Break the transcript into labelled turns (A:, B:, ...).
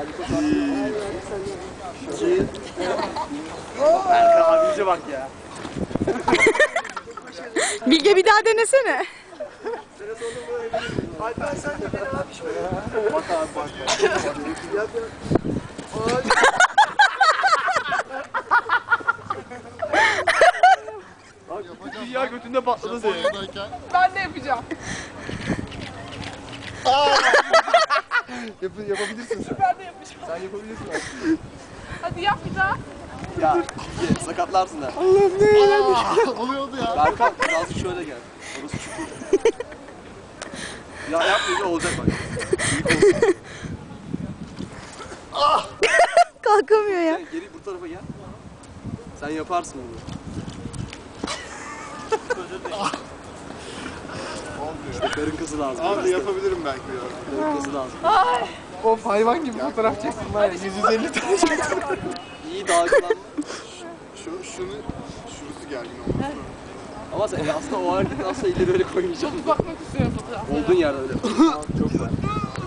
A: İki. Erkan abimize bak ya.
B: Bilge bir daha denesene.
A: Alper sen de beni abi şöyle. Bak abi bak. Yap. Dünya götünde patladı senin.
C: Ben de yapacağım.
A: Yapabilirsin sen.
C: Ben de yapacağım.
A: Sen yapabilirsin aslında.
C: Hadi yap bir daha.
A: Ya sakatlarsın ha.
D: Allah'ım ne oluyordu ya?
A: Berkan birazcık şöyle gel. Orası çukur. Ya yapmayınca olacak bak.
B: Kalkamıyor ya.
A: Sen geri bu tarafa gel. Sen yaparsın bunu. İşte karın kası lazım.
D: Abi yapabilirim belki ya.
A: Karın kası lazım.
D: Of hayvan gibi fotoğraf çeksin var ya 150 tane çeksin.
A: İyi dalgalanma.
D: Şurası gergin olmuş.
A: Ama sen aslında o hareketi aslında ileri böyle koymayacaksın.
C: Bakmak istiyorum fotoğraflara.
A: Olduğun yerde öyle. Çok var.